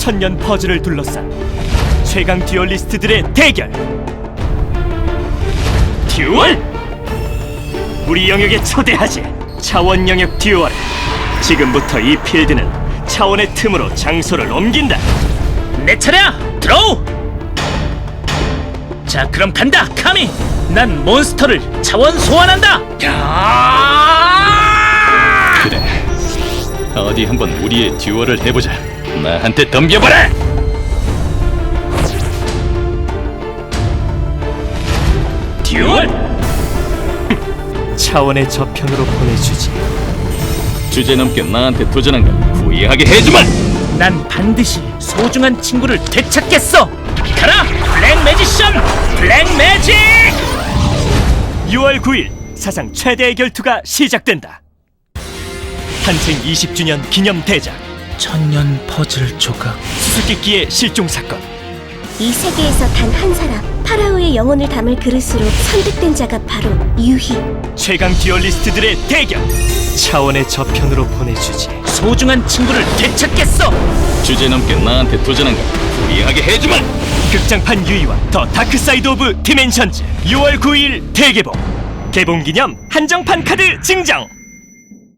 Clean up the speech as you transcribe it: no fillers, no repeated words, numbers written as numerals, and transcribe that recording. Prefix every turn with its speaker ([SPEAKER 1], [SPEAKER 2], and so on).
[SPEAKER 1] 천년 퍼즐을 둘러싼 최강 듀얼리스트들의 대결. 듀얼! 우리 영역에 초대하지. 차원 영역 듀얼. 지금부터 이 필드는 차원의 틈으로 장소를 옮긴다.
[SPEAKER 2] 내 차례야! 드로우! 자, 그럼 간다, 카미! 난 몬스터를 차원 소환한다!
[SPEAKER 3] 그래, 어디 한번 우리의 듀얼을 해보자. 나한테 덤벼봐라!
[SPEAKER 1] 듀얼! 차원의 저편으로 보내주지.
[SPEAKER 3] 주제넘게 나한테 도전한 걸 후회하게 해주마!
[SPEAKER 2] 난 반드시 소중한 친구를 되찾겠어! 가라! 블랙 매지션! 블랙 매직!
[SPEAKER 1] 6월 9일 사상 최대의 결투가 시작된다. 탄생 20주년 기념 대작.
[SPEAKER 2] 천년 퍼즐 조각.
[SPEAKER 1] 수수께끼의 실종 사건.
[SPEAKER 4] 이 세계에서 단 한 사람, 파라오의 영혼을 담을 그릇으로 선택된 자가 바로 유희.
[SPEAKER 1] 최강 듀얼리스트들의 대결. 차원의 저편으로 보내주지.
[SPEAKER 2] 소중한 친구를 되찾겠어!
[SPEAKER 3] 주제넘게 나한테 도전한 걸 후회하게 해주마!
[SPEAKER 1] 극장판 유이와 더 다크사이드 오브 디멘션즈 6월 9일 대개봉. 개봉기념 한정판 카드 증정.